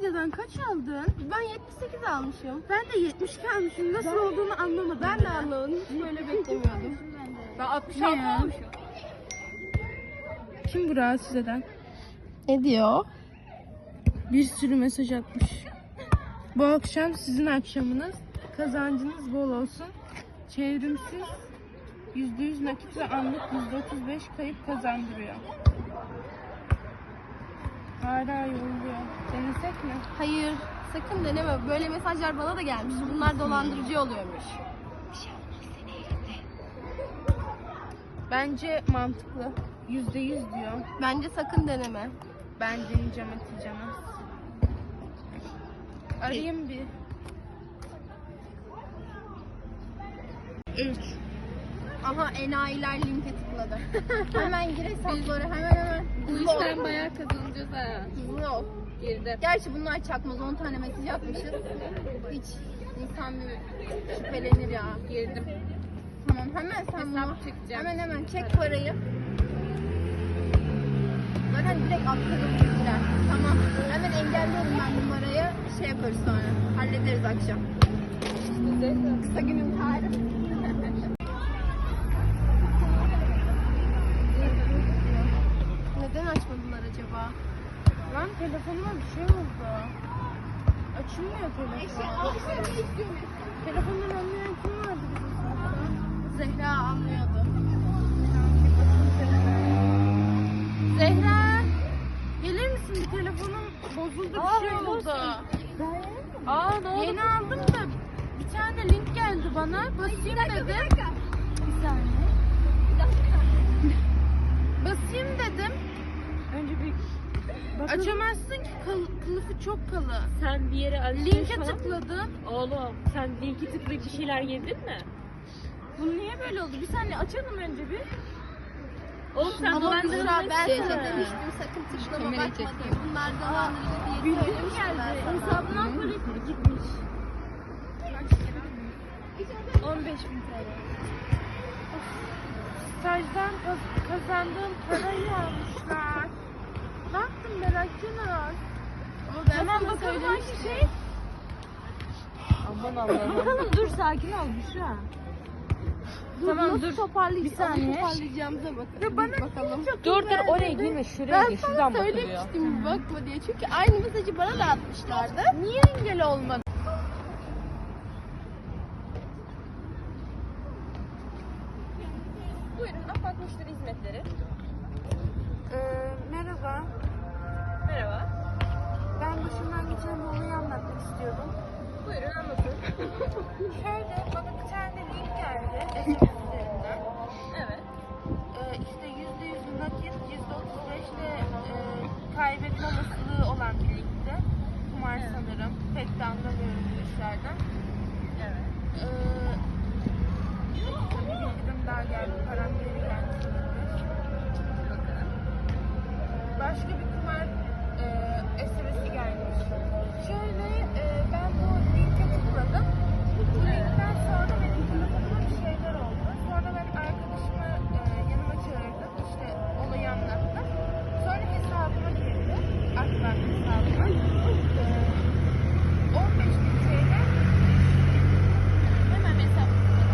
Nadia'dan kaç aldın? Ben 78 almışım. Ben de 72 almışım. Nasıl olduğunu anlamadım. Ben de anlamadım. Hiç böyle beklemiyordum. Ben 66 almışım. Kim bu rahatsız eden? Ne diyor? Bir sürü mesaj atmış. Bu akşam sizin akşamınız. Kazancınız bol olsun. Çevrimsiz %100 nakit ve anlık %35 kayıp kazandırıyor. Hala yolluyor. Denesek mi? Hayır. Sakın deneme. Böyle mesajlar bana da gelmiş. Bunlar dolandırıcı oluyormuş. Bence mantıklı. %100 diyor. Bence sakın deneme. Ben deneyeceğim Hatice'm. Arayayım bir. 3. Aha enayiler linke tıkladı. Hemen gir hesapları hemen. Bu işten bayağı kazanacağız ha. Hızlı ol. Girdim. Gerçi bunlar çakmaz. 10 tane mesaj atmışız. Hiç insan bir şüphelenir ya. Girdim. Tamam hemen sen bunu. Hesap çekeceğim. Hemen çek parayı. Zaten direkt atladım bilgiler. Tamam. Hemen engelliyorum ben numarayı. Şey yaparız sonra. Hallederiz akşam. Kısa günün tarihi. Neden açmadılar acaba? Lan telefonuma bir şey oldu. Açılmıyor telefon. Telefondan anlayan kim vardı bizim sınıfta? Zehra anlıyordu. Zehra! Gelir misin? Bir telefonum bozuldu, bir şey oldu. Ne oldu? Yeni aldım da bir tane link geldi bana. Basayım dedim. Bir saniye. Basayım dedim. Önce bir Açamazsın ki kılıfı çok kalın. sen bir yere alışveriş Linke falan- tıkladım. Oğlum sen linki tıklayıp bir şeyler yedin mi? Bu niye böyle oldu? Bir saniye açalım önce bir. Oğlum sen Ama dolandırılmışsın. Büşra ben sana demiştim sakın tıklama bakma diye. Bunlar dolandırıcı diye söylemiştim ben sana. Hesabından para gitmiş. 15.000 TL. Stajdan kazandığım parayı almışlar. Ne yaptın merak etme. Ama ben Tamam sana bakalım söylemiştim. hangi şey? Aman Allah'ım. Bakalım dur sakin ol Büşra. Tamam dur. Toparlayacağım. Bir saniye. Toparlayacağımıza bakın. Ya bana bakalım. Dur oraya girme şuraya Ben gir sana şuradan bakılıyor. söylemiştim bakma diye. Çünkü aynı mesajı bana da atmışlardı. Niye engel olmadı? Buyurun Afat Müşteri Hizmetleri. Merhaba. Merhaba. Ben başımdan geçen bir olayı anlatmak istiyordum. Buyurun anlatın. Şöyle bana bir tane link geldi. SMS üzerinden. Evet. İşte %100 nakit, %35 de kaybetme olasılığı olan bir linkti. Kumar sanırım. Pek de anlamıyorum bu işlerden. Evet. Tabii bildirim daha geldi. Param geri geldi. Başka bir kumar SMS'i gelmiş. Şöyle ben bu linke tıkladım. Bu linkten sonra benim telefonuma bir şeyler oldu. Sonra ben arkadaşımı yanıma çağırdım. İşte olayı anlattım. Sonra hesabıma girdi. Akbank hesabıma. 15.000 TL. Hemen hesap.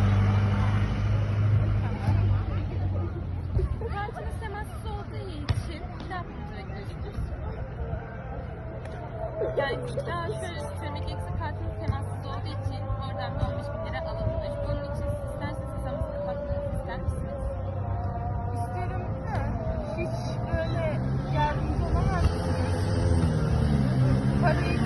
Kartınız temassız olduğu için ne yapmamız bekliyorsunuz? Yani şöyle söylemek gerekirse kartınız temassız olduğu için oradan bir 15.000 lira alınmış. Bunun için siz isterseniz hesabınızı kapatmanızı ister misiniz? İsterim de hiç böyle yardımcı olamaz mısınız? Parayı